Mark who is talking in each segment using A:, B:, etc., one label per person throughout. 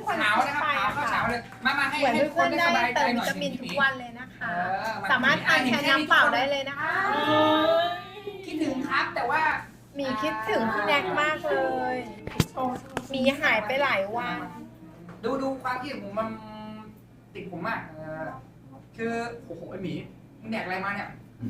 A: เช้านะครับข้าวเช้าเลยมาให้
B: เหมือน
A: ให้ทุกค
B: เพื่อน น
A: ได้
B: ได้
A: สบายใจ
B: เติม
A: หน่
B: วิ
A: อย
B: ตามิน
A: พี่ห
B: ทุ
A: มี
B: กวันเลยนะคะ
A: มา
B: สามารถทานแทนน้ำเปล่าได้เลยนะคะ
A: คิดถึงครับแต่ว่า
B: มีคิดถึงพี่แน็กมากเลย มีหายไปหลายวัน
A: ดูความคิดของผมมันติดผมมากคือโอ้โหไอหมีมึงแดกอะไรมาเนี่ย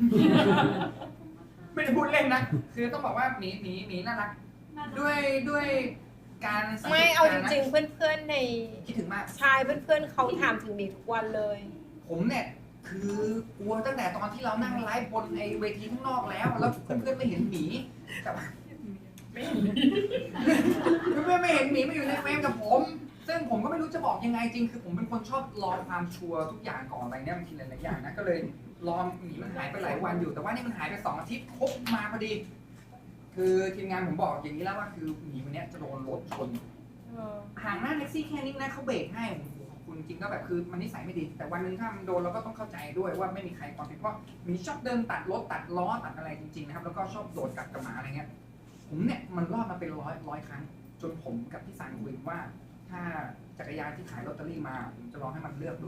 A: ไม่ได้พูดเล่นนะ คือต้องบอกว่าหมีน่ารักด้วยการสังกต
B: ไม่เอาจ
A: กนะ
B: ริงๆ เพื่อนๆใน
A: คิดถึงมาก
B: ชายเพื่อนๆเขาถามถึงหมีทุกวันเลย
A: ผมเนี่ยคือกลัวตั้งแต่ตอนที่เรานั่งไลฟ์บนไอเวทีข้างนอกแล้วเพื่อนๆไม่เห็นหมีแต่ว่าไม่เห็นเพื่อนๆไม่เห็นหมีมาอยู่ในเฟรมกับผม ซึ่งผมก็ไม่รู้จะบอกยังไงจริงคือผมเป็นคนชอบรอความชัวร์ทุกอย่างก่อนอะไรเนี่ยบางทีหลายๆอย่างนะก็เลยรอหมีมันหายไปหลายวันอยู่แต่ว่านี่มันหายไป2 อาทิตย์ครบมาพอดี คือทีมงานผมบอกอย่างนี้แล้วว่าคือหมีคนนี้จะโดนรถชนห่างหน้าแท็กซี่แค่นี้นะเขาเบรกให้ขอบคุณจริงก็แบบคือมันนิสัยไม่ดีแต่วันหนึ่งถ้ามันโดนเราก็ต้องเข้าใจด้วยว่าไม่มีใครความผิดเพราะหมีชอบเดินตัดรถตัดล้อตัดอะไรจริงๆนะครับแล้วก็ชอบโดดกัดกับหมาอะไรเงี้ยผมเนี่ยมันรอดมาเป็นร้อยครั้งจนผมกับพี่สันคุยว่าถ้าจักรยานที่ขายลอตเตอรี่มาผมจะลองให้มันเลือกดู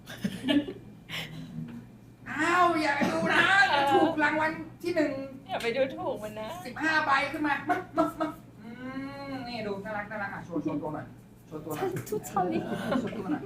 A: อ้าวอย่าดูนะจะถูกรางวัลที่1
B: อย่าไปดูถูกมันนะ
A: 15 ใบขึ้นมานี่ดูน่ารักอ่ะโชว์ตัวหน่อยโชว์ตัวหน่อยโชว์ตัวหน่อย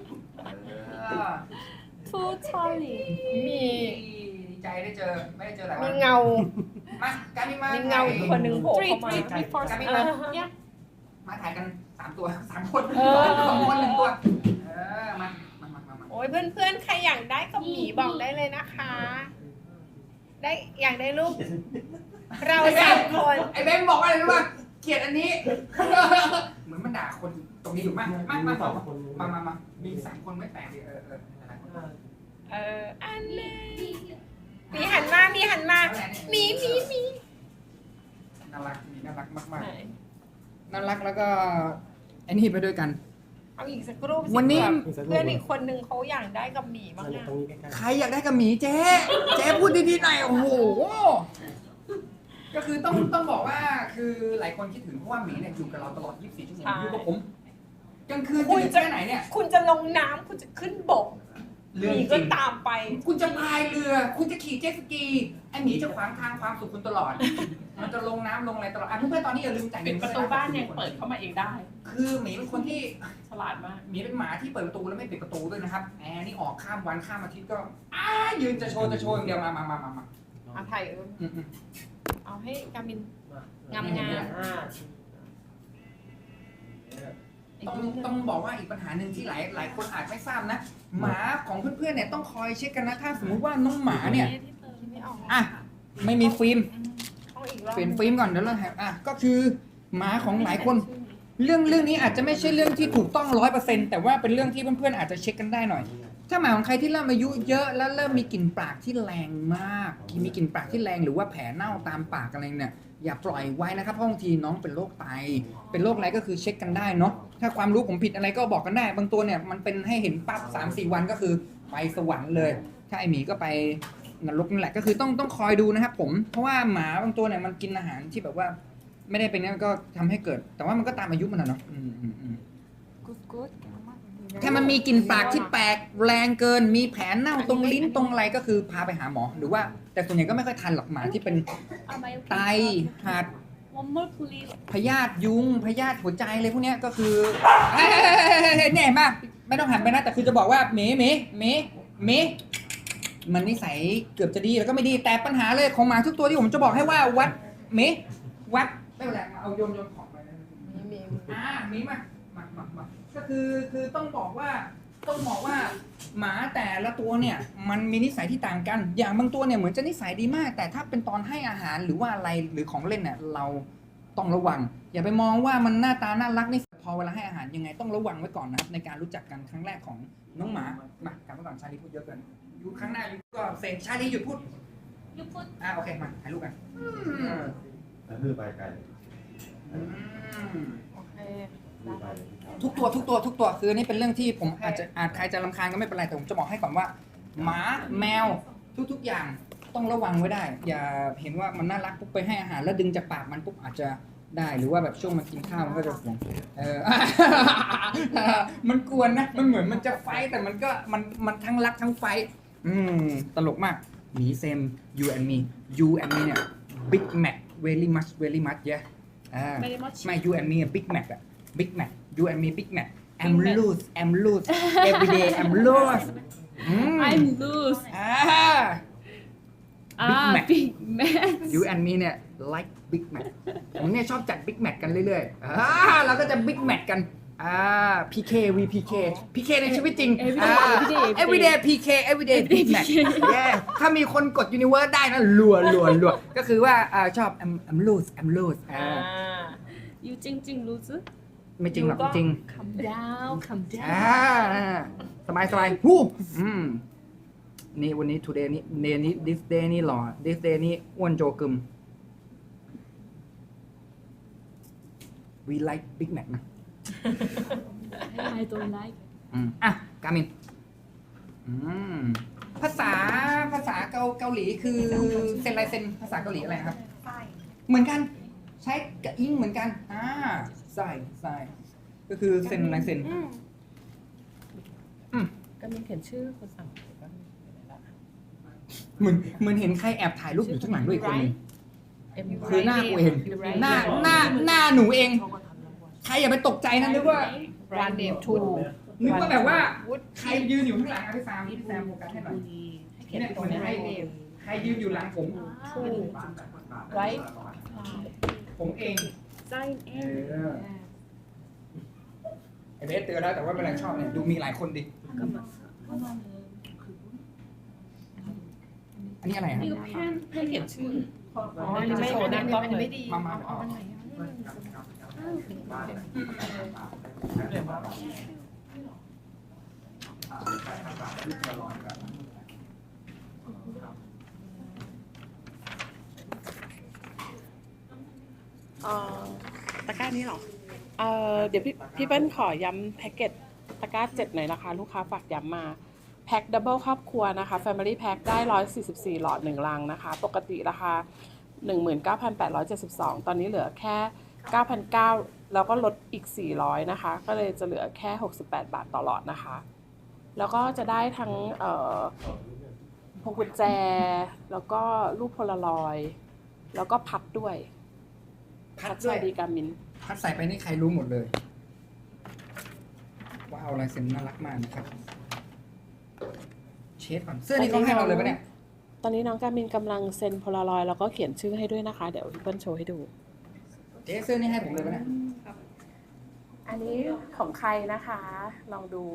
C: ทูชาลี
B: มี
A: ดีใจได้เจอไม่ได้เจอหลายวั
B: มี
A: น
B: เงา
A: มาการมีมา
B: มีเงาอีกคนหนึ่งโผล่เข้ามา
A: การมีมาถ่ายกัน3 ตัว3 คน
B: เออ
A: 2 คน1 ตัวมา
B: โอ้ยเพื่อนๆ ใครอยากได้กับหมีบอกได้เลยนะคะ ได้อยากได้รูปเรา3 คน
A: ไอ้เบนบอกว่าอะไรรู้ป่ะเกลียดอันนี้ เหมือนมันด่าคนตรงนี้อยู่มากมามี3 คนไม่แปลกดิ
B: อันนี้มีหันมามีน่า
A: รักมากน่ารักแล้วก็ไอ้นี่ไปด้วยกัน
B: เอาอีกสักรูปสิ
A: วันนี้
B: เพื่อนอีกคนนึงเขาอยากได้กับหมีบ้างอะ
A: ใครอยากได้กับหมีเจ๊พูดดีๆหน่อยโอ้โหก็คือต้องบอกว่าคือหลายคนคิดถึงเพราะว่าหมีเนี่ยอยู่กับเราตลอด 24 ชั่วโมงอยู่กับผมกลางคืนจะอยู่แค่ไหนเนี่ย
B: คุณจะลงน้ำคุณจะขึ้นบกหมีก็ตามไป
A: คุณจะพายเรือคุณจะขี่เจ็ตสกีไอหมีจะขวางทางความสุขคุณตลอด มันจะลงน้ำลงอะไรตลอดเพื่อนๆตอนนี้อย่าลืมจ่ายเงิ
C: ปิด
A: น
C: ประตูบ้านยังเปิดเข้ามาเองได้
A: คือหมีเป็นคนที่
C: ฉลาดมาก
A: หมีเป็นหมาที่เปิดประตูแล้วไม่ปิดประตูด้วยนะครับแอร์นี่ออกข้ามวันข้ามอาทิตย์ก็ยืนจะโชว์อย่างเดียวมา
B: เอาถ่ายเอาให้กามินงาม
A: ต้องบอกว่าอีกปัญหาหนึ่งที่หลายคนอาจไม่ทราบนะหมาของเพื่อนๆเนี่ยต้องคอยเช็คกันนะถ้าสมมุติว่าน้องหมาเนี่ย
B: ไม่ออก
A: อ่ะไม่มีฟิล์ม
B: ต้องอีกรอบ
A: เปลี่ยนฟิล์มก่อนเดี๋ยวเราก็คือหมาของหลายคนเรื่องนี้อาจจะไม่ใช่เรื่องที่ถูกต้อง 100%แต่ว่าเป็นเรื่องที่เพื่อนๆอาจจะเช็คกันได้หน่อย ถ้าหมาของใครที่เริ่มอายุเยอะแล้วเริ่มมีกลิ่นปากที่แรงมากมีกลิ่นปากที่แรงหรือว่าแผลเน่าตามปากอะไรเนี่ยอย่าปล่อยไว้นะครับเพราะบางทีน้องเป็นโรคไตเป็นโรคอะไรก็คือเช็คกันได้เนาะถ้าความรู้ผมผิดอะไรก็บอกกันได้บางตัวเนี่ยมันเป็นให้เห็นปั๊บ3-4 วันก็คือไปสวรรค์เลยถ้าไอหมีก็ไปนรกนั่นแหละก็คือต้องคอยดูนะครับผมเพราะว่าหมาบางตัวเนี่ยมันกินอาหารที่แบบว่าไม่ได้เป็นนั่นก็ทำให้เกิดแต่ว่ามันก็ตามอายุมันนะเนาะถ้ามันมีกลิ่นปากที่แปลกแรงเกินมีแผลเน่าตรงลิ้นตรงอะไรก็คือพาไปหาหมอหรือว่าแต่ส่วนใหญ่ก็ไม่ค่อยทันหรอกหมาที่เป็นไตหัดพยาธิยุงพยาธิหัวใจอะไรพวกนี้ก็คือเนี่ยมากไม่ต้องหันไปนะแต่คือจะบอกว่าเมมันนิสัยเกือบจะดีแล้วก็ไม่ดีแต่ปัญหาเลยของหมาทุกตัวที่ผมจะบอกให้ว่าวัดไม่เป็นไรมาเอาโยนของไปนะมีมาก็คือต้องบอกว่าหมาแต่ละตัวเนี่ยมันมีนิสัยที่ต่างกันอย่างบางตัวเนี่ยเหมือนจะนิสัยดีมากแต่ถ้าเป็นตอนให้อาหารหรือว่าอะไรหรือของเล่นเนี่ยเราต้องระวังอย่าไปมองว่ามันหน้าตาน่ารักนี่พอเวลาให้อาหารยังไงต้องระวังไว้ก่อนนะครับในการรู้จักกันครั้งแรกของน้องหมามากลับมาก่อนชาลีพูดเยอะเกินอยู่ข้างหน้าอยู่ก็เซ็งชาลีหยุดพูดโอเคมาถ่ายรูปกัน
D: แล้วคือไปไกล
B: โอเค
A: ทุกตัวคือนี่เป็นเรื่องที่ผมอาจใครจะรำคาญก็ไม่เป็นไรแต่ผมจะบอกให้ก่อนว่าหมาแมวทุกอย่าง ต้องระวังไว้ได้อย่าเห็นว่ามันน่ารักปุ๊บไปให้อาหารแล้วดึงจากปากมันปุ๊บอาจจะได้หรือว่าแบบช่วงมันกินข้าวมันก็จะห่วงมันกวนนะมันเหมือนมันจะไฟท์แต่มันก็มันทั้งรักทั้งไฟท์ตลกมากหมีเซม you and me เนี่ย big mac very much yeah ไม่ you and me big mac อะ big mac you and me big mac I'm loose every day I'm loose
E: I'm loose.
A: Mac.
E: Big Mac.
A: you and me เนี่ย like big mac ผมเนี่ยชอบจัด big mac กันเรื่อยๆเราก็จะ big mac กันPK PK ในชีวิตจริง everyday PK everyday big mac yeah ถ้ามีคนกด universe ได้นะรัวก็คือว่าชอบ I'm loose
E: You Jing loose?
A: ไม่จริงหรอกจริง
E: Calm down.
A: สบายฮู้นี่วันนี้ today นี้ this day นี่หล่อ this day นี่อ้วนโจกึม we like big mac นะ
E: I don't like.
A: กามินภาษาเกาหลีคือเซนไรเซนภาษาเกาหลีอะไรครับเหมือนกันใช้กับอิงเหมือนกันใส่ก็คือเซนไรเซน
C: ก็มีเขียนชื่อคนสั่งก็มี
A: เหมือนเห็นใครแอบถ่ายรูปอยู่ข้างหลังด้วยอีกคนหนึงคือหน้ากูเองหน้าหนูเอง ใครอย่าไปตกใจนะนึกว่า
B: รันเดฟทู
A: นึกว่าแบบว่าใครยืนอยู่ข้างหลังพี่แซมโฟกัสให้หน่อย
B: ให้เขียนตรงนี้ให้เดฟ
A: ใครยืนอยู่หลังผม
C: ไว้
A: ผมเอง
E: Sign in.
A: ไอเบสเตือนแล้วแต่ว่าเป็นไรชอบเนี่ยดูมีหลายคนดิอันนี้อะไรครับ
E: 이거 펜.
C: ให้เขียนชื่อ
B: อ๋ออันนี้ไม่ได้ไม่ดี
A: มาเอา
C: ตะกร้านี้เหรอเดี๋ยวพี่เปิ้ลขอย้ำแพ็กเกจตะกร้า7หน่อยนะคะ ลูกค้าฝากย้ำมาแพ็คดับเบิลครอบครัวนะคะ Family Pack ได้144หลอด1ลังนะคะ ปกติราคา 19,872 ตอนนี้เหลือแค่ 9,900 แล้วก็ลดอีก400นะคะก็เลยจะเหลือแค่68บาทต่อหลอดนะคะแล้วก็จะได้ทั้งพวงกุญแจแล้วก็รูปโพลารอยด์แล้วก็พัดด้วย
A: พัด
C: ส
A: ด้ว
C: วั
A: ย
C: สดีกามิน
A: พัดใส่ไปนี่ใครรู้หมดเลยว้าวลายเซ็นน่ารักมากนะครับเชฟก่อนเสื้อนี่เขาให้เราเลยปะเนี่ย
C: ตอนนี้น้องกามินกำลังเซ็นโพลารอยด์แล้วก็เขียนชื่อให้ด้วยนะคะ เดี๋ยวพี่เปิ้ลโชว์ให้ดู
A: เจ๊เสื้อนี่ให้ผมเลยปะเนี่ย
C: อันนี้ของใครนะคะ ลองดู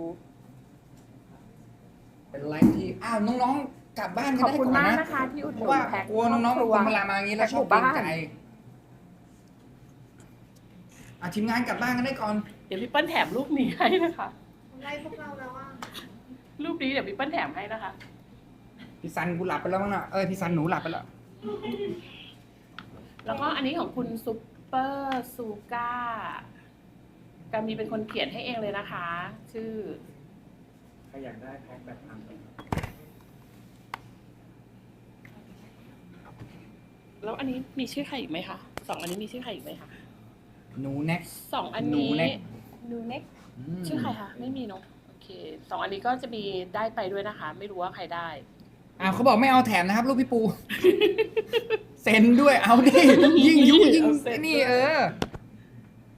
A: เป็นไลฟ์ที่น้องๆกลับบ้าน
C: ขอบ
A: ได้
C: คุณ
A: ก่อน
C: มาก
A: นะ
C: นะคะที่อุดห
A: เพ
C: นุ
A: ราะว่าน
C: แพ็ค
A: กลัวน้องๆ
C: ครอบครัว
A: คนเวลามาอย่างนี้แล้วชอบเกรงใจทีมงานกลับบ้านกันได้ก่อน
C: เดี๋ยวพี่เปิ้ลแถมรูปนี้ให้นะคะ
B: ไล่พวกเราแล้วว่า
C: รูปนี้เดี๋ยวพี่เปิ้ลแถมให้นะคะ
A: พี่ซันกูหลับไปแล้วมั้งน่ะพี่ซันหนูหลับไปแล้ว
C: แล้วก็อันนี้ของคุณซุปเปอร์ซูก้า กามีเป็นคนเขียนให้เองเลยนะคะ ชื่อ
D: ใครอยากได้แพ็คแบบทำ
C: แล้วอันนี้มีชื่อใครอีกไหมคะ2อันนี้มีชื่อใครอีกไหมคะ
A: หนูแน็ก
C: 2อัน
A: หนู
C: นี้
A: เน็ก
C: นูเน็กชื่อใครคะไม่มีเนอะโอเค2อันนี้ก็จะมีได้ไปด้วยนะคะ ไม่รู้ว่าใครได้
A: เขาบอกไม่เอาแถมนะครับลูกพี่ปู เซ็นด้วยเอาดิยิ่งยุยิ่ง
C: เอาเซ็น
A: นี่